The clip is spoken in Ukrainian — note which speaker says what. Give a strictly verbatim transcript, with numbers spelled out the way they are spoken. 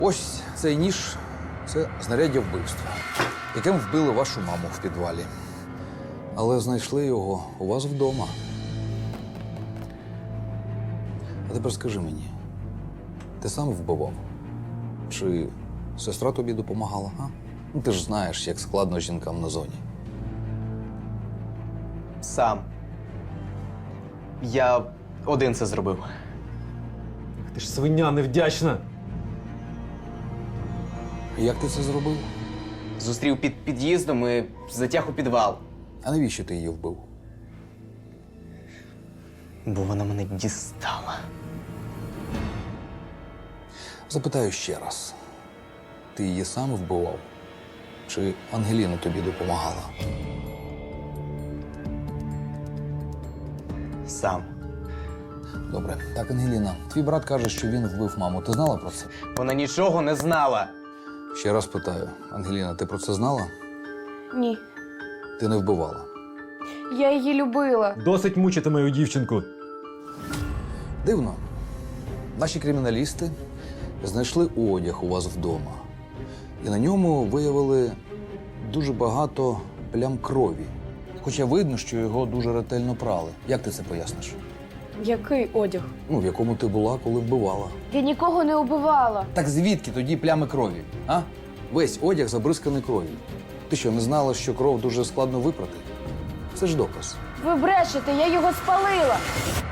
Speaker 1: Ось цей ніж – це знаряддя вбивства, яким вбили вашу маму в підвалі. Але знайшли його у вас вдома. А тепер скажи мені, ти сам вбивав? Чи сестра тобі допомагала, а? Ну, ти ж знаєш, як складно жінкам на зоні.
Speaker 2: Сам. Я один це зробив.
Speaker 3: Ти ж свиня невдячна.
Speaker 1: Як ти це зробив?
Speaker 2: Зустрів під під'їздом і затяг у підвал.
Speaker 1: А навіщо ти її вбив?
Speaker 2: Бо вона мене дістала.
Speaker 1: Запитаю ще раз. Ти її сам вбивав? Чи Ангеліна тобі допомагала?
Speaker 2: Сам.
Speaker 1: Добре. Так, Ангеліна, твій брат каже, що він вбив маму. Ти знала про це?
Speaker 2: Вона нічого не знала.
Speaker 1: Ще раз питаю. Ангеліна, ти про це знала?
Speaker 4: Ні.
Speaker 1: Ти не вбивала?
Speaker 4: Я її любила.
Speaker 3: Досить мучити мою дівчинку.
Speaker 1: Дивно. Наші криміналісти знайшли одяг у вас вдома. І на ньому виявили дуже багато плям крові. Хоча видно, що його дуже ретельно прали. Як ти це поясниш?
Speaker 4: Який одяг?
Speaker 1: Ну, в якому ти була, коли вбивала.
Speaker 4: Я нікого не убивала.
Speaker 1: Так звідки тоді плями крові, а? Весь одяг забризканий кров'ю. Ти що, не знала, що кров дуже складно випрати? Це ж доказ.
Speaker 4: Ви брешете, я його спалила.